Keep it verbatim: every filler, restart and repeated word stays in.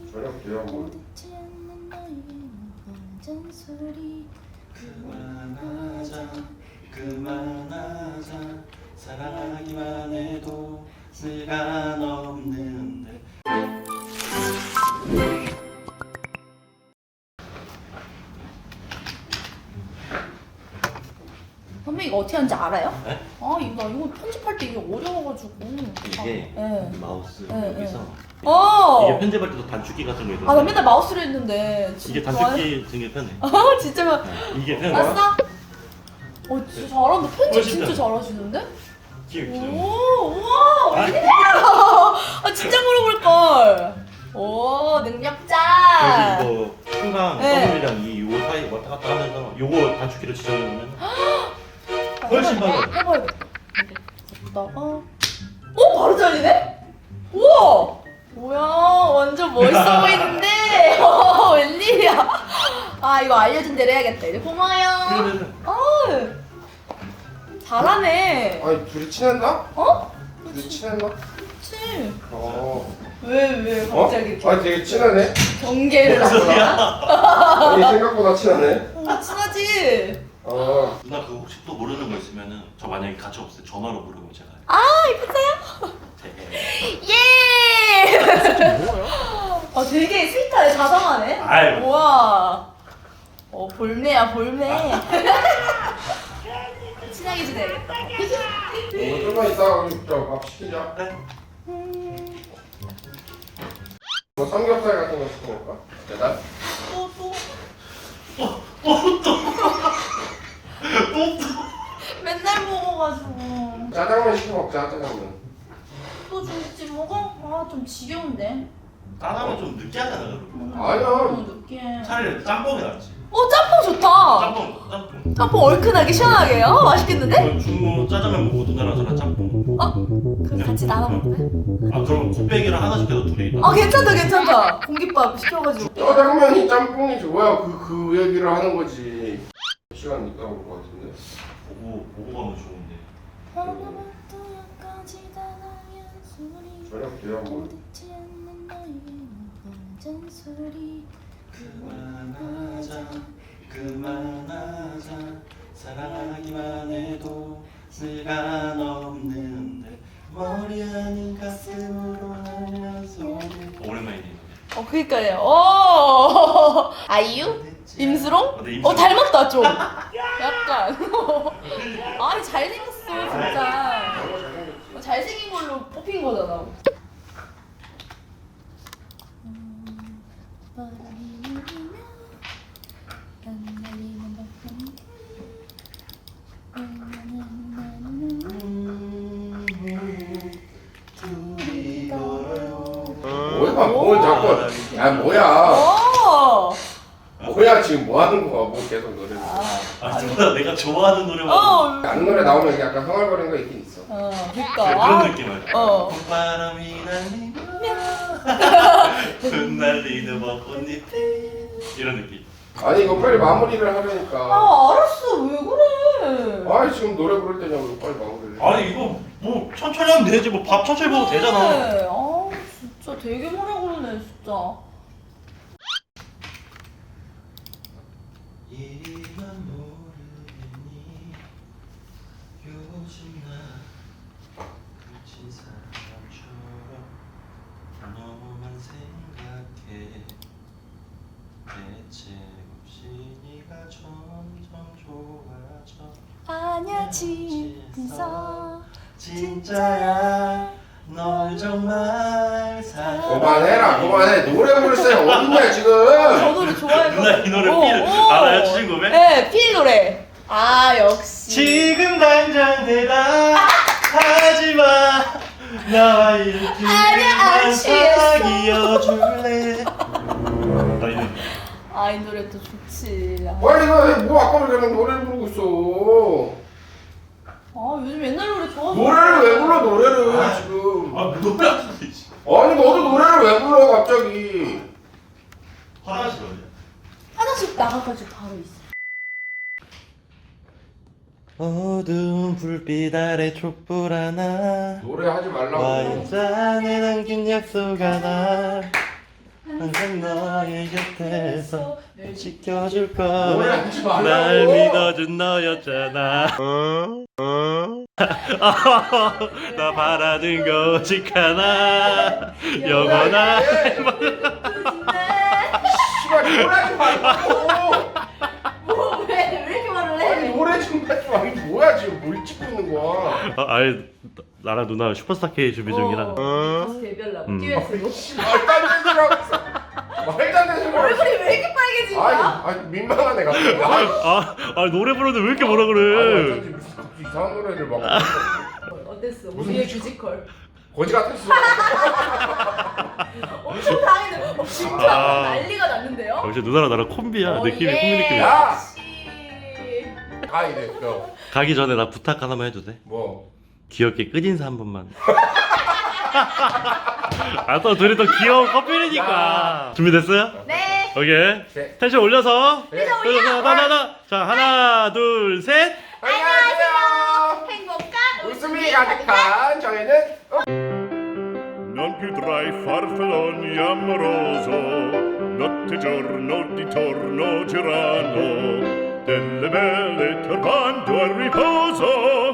저녁 뭐 그만하자 그만하자 사랑하기만 해도 시간 없는데. 선배 이거 어떻게 하는지 알아요? 네? 아 이거 나 이거 편집할 때 이게 어려워가지고. 이게 아, 네. 마우스 네, 여기서 어. 이게 편집할 때도 단축키 같은 거 있거든요. 아 나 맨날 마우스로 했는데. 이게 단축키 되게 편해. 아 진짜. 네, 이게 편해. 봤어? 어 진짜 잘한다. 편집 훨씬 진짜 편해. 잘하시는데? 귀여워 귀여워. 오 우와 웬일이야. 아 진짜 물어볼 걸. 오 능력자. 그래서 이거 항상 네. 더블이랑 이 요거 사이 왔다 갔다 하면서 요거 단축키로 지정해놓으면 훨씬 빨라. 해봐야겠다. 여기다가 오 바로 잘리네? 우와 뭐야 완전 멋있어 보이는데. 어, 웬일이야. 아 이거 알려준 대로 해야겠다. 이제 고마워요. 그러면은 아 잘하네. 아니 둘이 친했나? 어? 둘이 친했나? 그치. 어. 왜 왜 어? 갑자기 이렇게 아니 되게 친하네. 경계를 무슨 소리야? 하냐? 아니 생각보다 친하네. 어, 친하지. 어. 누나 그거 혹시 또 모르는 거 있으면은 저 만약에 같이 없을 때 전화로 물으면 제가 아 이쁘세요? 되게 예. 뭐야? 아 되게 스윗하네. 자상하네. 아이고. 우와. 어 볼매야 볼매. 친하게 지내야겠다. 어, 좀만 이따가 우리 저밥 시키자. 네? 뭐 삼겹살 같은 거 시켜 먹을까? 배달? 또 또. 맨날 먹어가지고. 짜장면 시켜 먹자. 짜장면. 또 중국집 먹어? 아 좀 지겨운데. 짜장면 좀 느끼하잖아 그럼. 아니야. 너무 느끼해. 차라리 짬뽕이 낫지. 어 짬뽕 좋다. 짬뽕 짬뽕. 짬뽕 얼큰하게 시원하게. 어 맛있겠는데? 그럼 중국 짜장면 먹고 누나랑 저랑 짬뽕. 어? 그럼 같이 나눠 먹을까? 아 그럼 곱빼기랑 하나 시켜서 둘이. 아 괜찮다 괜찮다. 공깃밥 시켜가지고. 짜장면이 짬뽕이 좋아야 그, 그 얘기를 하는 거지. 시간 있다 올 것 같은데. 보고 보고 가면 좋은데. 저녁 돼야 뭐. 그만하자 그만하자 사랑하기만 해도 시간 없는데 머리 아닌 가슴으로 하면서. 오랜만이네. 어 그니까요. 오 아이유? 임수롱? 어, 네, 임수롱. 어 닮았다 좀. 약간. 아니 잘생겼어 진짜. 어, 잘생긴 걸로 뽑힌 거잖아. 둘이 걸어요. 뭐야? 뭘 자꾸. 야 뭐야? 오. 뭐야 지금 뭐 하는 거야? 뭐 계속 노래를. 아 누나 내가 좋아하는 노래만. 어. 아는 노래 나오면 약간 흥얼거리는 거 있긴 있어. 어 그래, 그니까. 그런 느낌 알죠? 어. 봄바람이 날리며 흩날리는 벚꽃잎 이런 느낌. 아니 이거 빨리 마무리를 하려니까. 아 알았어 왜 그래? 아니 지금 노래 부를 때냐고 빨리 마무리를. 아니 이거 뭐 천천히 하면 되지 뭐 밥 천천히 먹어도 되잖아. 그래. 아 진짜 되게 뭐라 그러네 진짜. 이만 모르겠니 요즘 나 그친 사람처럼 너만 생각해 대책 없이 네가 점점 좋아져. 아니야 진짜 진짜야 널 정말 사랑. 그만해라 그만해. 노래 부를 사람이 어딨냐 지금. 저 노래 좋아해서. 누나 이 노래 어, 필 어. 알아요? 주인공의? 네, 필 노래. 아 역시. 지금 당장 대답하지마 나와 이렇게 아니야, 안 취했어. 사귀어줄래. 나 이거 아 이 노래 또 좋지. 아, 빨리 가. 뭐 아까 그냥 노래를 부르고 있어. 아 요즘 옛날 노래 좋아서. 노래를 왜 불러 노래를 지금. 아 노래 안 부르지. 아니 너도 노래를 왜 불러 갑자기. 화장실 어디야? 화장실 나가가지고 바로 있어. 어두운 불빛 아래 촛불 하나 노래 하지 말라고. 와인잔에 남긴 약속 하나 항상 너의 곁에서 늘 지켜줄 노래 거야. 하지 말라고. 날 믿어준 너였잖아. 나 바라는 거 오직 하나. 영원한 씨발 노래 하지 말라고. 뭐왜왜 이렇게 말을 아니 해? 노래 좀 하지 마. 이게 뭐야 지금 뭘 찍고 있는 거야? 아, 아니 나랑 누나 슈퍼스타 K 준비 중이라. 어, 다시 데뷔하려고 음. 듀엣으로. 씨, 말도 안 되는 소리 하고 있어. 말도 안 되는 소리 하고 있어. 얼굴이 왜 이렇게 빨개진 아니, 거야? 아니 민망한 애 같아. 아니, 아, 아 노래 부르는데 왜 이렇게 뭐라 아니 그래? 어쩐지 무슨 갑자기 이상한 노래를 막 어땠어? 무슨 우리의 뮤지컬? 뮤지컬. 거지 같았어. 엄청 당했는데 어, 진짜 아. 난리가 났는데요? 역시 누나랑 나랑 콤비야. 어, 느낌이 예. 콤비 느낌이야. 야! 역시. 가 이래. 너 가기 전에 나 부탁 하나만 해도 돼? 뭐? 귀엽게 끝인사 한 번만. 아 또 둘이 또 귀여운 커플이니까. 준비됐어요? 네. 오케이. 네. 텐션 올려서. 네. 올려서 나나나. 자 하나 둘 셋. 안녕하세요. 행복한 웃음이 가득한 저희는 어? Non più tra i farfalloni amoroso, notte e giorno di torno girano, delle belle turbando al riposo.